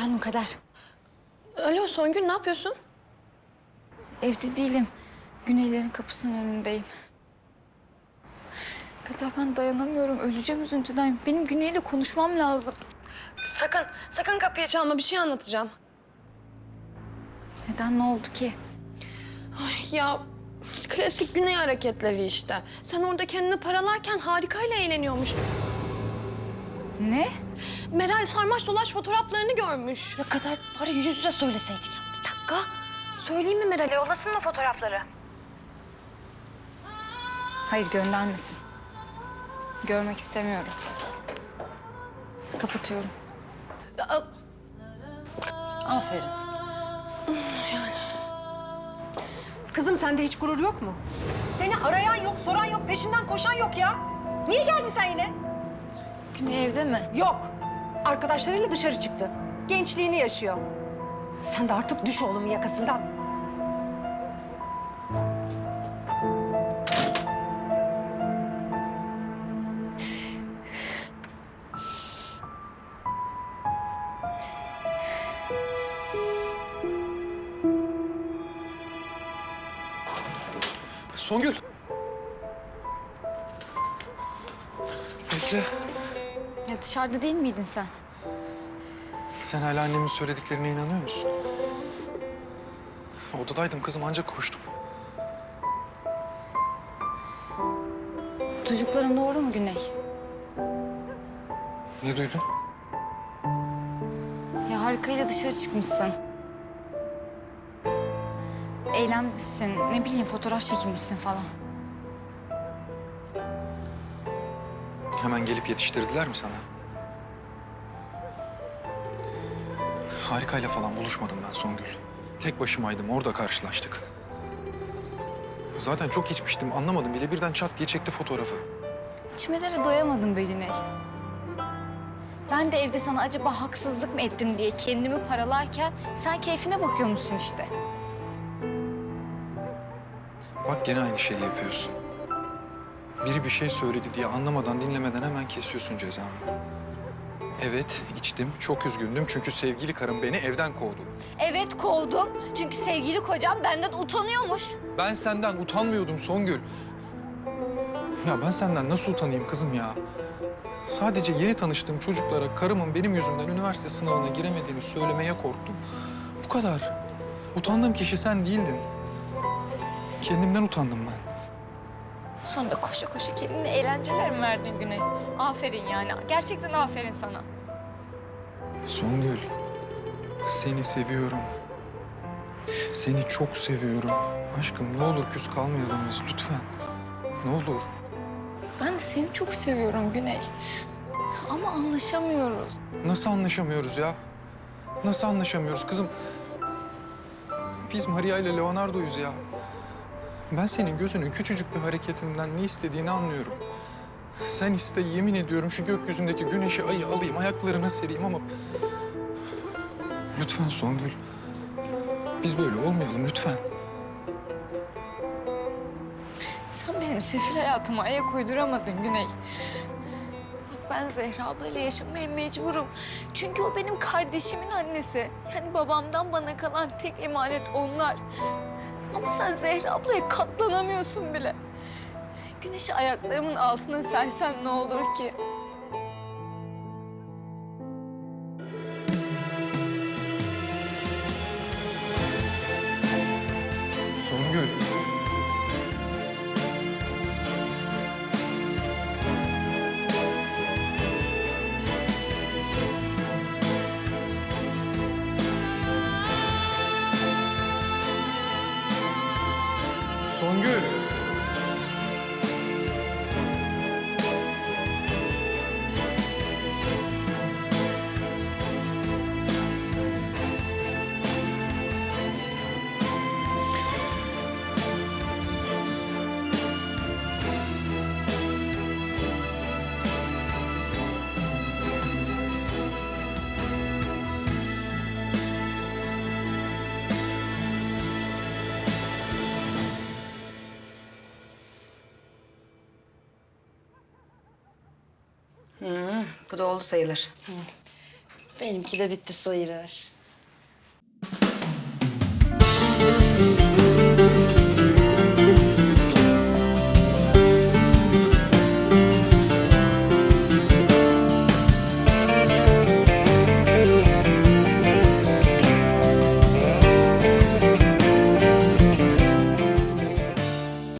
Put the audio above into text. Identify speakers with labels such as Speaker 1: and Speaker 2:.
Speaker 1: Efendim Kader.
Speaker 2: Alo Songül, ne yapıyorsun?
Speaker 1: Evde değilim. Güneylerin kapısının önündeyim. Kader ben dayanamıyorum. Öleceğim üzüntüden. Benim Güney'le konuşmam lazım.
Speaker 2: Sakın kapıyı çalma. Bir şey anlatacağım.
Speaker 1: Neden, ne oldu ki?
Speaker 2: Ay ya, klasik Güney hareketleri işte. Sen orada kendini paralarken Harika'yla eğleniyormuş.
Speaker 1: Ne?
Speaker 2: Meral sarmaş dolaş fotoğraflarını görmüş.
Speaker 1: Ya Kader bari yüz yüze söyleseydik.
Speaker 2: Bir dakika. Söyleyeyim mi Meral'e? Yollasın mı fotoğrafları?
Speaker 1: Hayır, göndermesin. Görmek istemiyorum. Kapatıyorum.
Speaker 2: Ya,
Speaker 1: Aferin.
Speaker 3: Kızım sende hiç gurur yok mu? Seni arayan yok, soran yok, peşinden koşan yok ya. Niye geldin sen yine?
Speaker 1: Güney evde mi?
Speaker 3: Yok. Arkadaşlarıyla dışarı çıktı. Gençliğini yaşıyor. Sen de artık düş oğlumun yakasından.
Speaker 4: Songül. Bekle.
Speaker 1: Ya dışarıda değil miydin sen?
Speaker 4: Sen hala annemin söylediklerine inanıyor musun? Odadaydım kızım, ancak koştum.
Speaker 1: Duyduklarım doğru mu Güney?
Speaker 4: Ne duydun?
Speaker 1: Ya Harika'yla dışarı çıkmışsın. Eğlenmişsin, ne bileyim fotoğraf çekilmişsin falan.
Speaker 4: Hemen gelip yetiştirdiler mi sana? Harikayla falan buluşmadım ben Songül. Tek başımaydım, orada karşılaştık. Zaten çok içmiştim, anlamadım bile. Birden çat diye çekti fotoğrafı.
Speaker 1: İçmelere doyamadım be Güney. Ben de evde sana acaba haksızlık mı ettim diye kendimi paralarken sen keyfine bakıyormuşsun işte.
Speaker 4: Bak gene aynı şeyi yapıyorsun. Biri bir şey söyledi diye anlamadan, dinlemeden hemen kesiyorsun cezamı. Evet, içtim. Çok üzgündüm çünkü sevgili karım beni evden kovdu.
Speaker 1: Evet kovdum çünkü sevgili kocam benden utanıyormuş.
Speaker 4: Ben senden utanmıyordum Songül. Ya ben senden nasıl utanayım kızım ya? Sadece yeni tanıştığım çocuklara karımın benim yüzümden üniversite sınavına giremediğini söylemeye korktum. Bu kadar. Utandığım kişi sen değildin. Kendimden utandım ben.
Speaker 1: Sonunda koşa koşa kendine eğlenceler mi verdin Güney? Aferin yani. Gerçekten aferin sana.
Speaker 4: Songül, seni seviyorum. Seni çok seviyorum. Aşkım ne olur küs kalmayalım biz lütfen. Ne olur.
Speaker 1: Ben de seni çok seviyorum Güney. Ama anlaşamıyoruz.
Speaker 4: Nasıl anlaşamıyoruz ya? Nasıl anlaşamıyoruz kızım? Biz Maria ile Leonardo'yuz ya. Ben senin gözünün küçücük bir hareketinden ne istediğini anlıyorum. Sen iste, yemin ediyorum şu gökyüzündeki güneşi, ayı alayım, ayaklarına sereyim ama... Lütfen Songül. Biz böyle olmayalım lütfen.
Speaker 1: Sen benim sefil hayatıma ayak uyduramadın Güney. Bak ben Zehra ablayla yaşamaya mecburum. Çünkü o benim kardeşimin annesi. Yani babamdan bana kalan tek emanet onlar. Ama sen Zehra ablaya katlanamıyorsun bile. Güneşi ayaklarımın altına sersen ne olur ki?
Speaker 4: Songül. Songül.
Speaker 5: Bu da oldu sayılır. Benimki de bitti sayılır.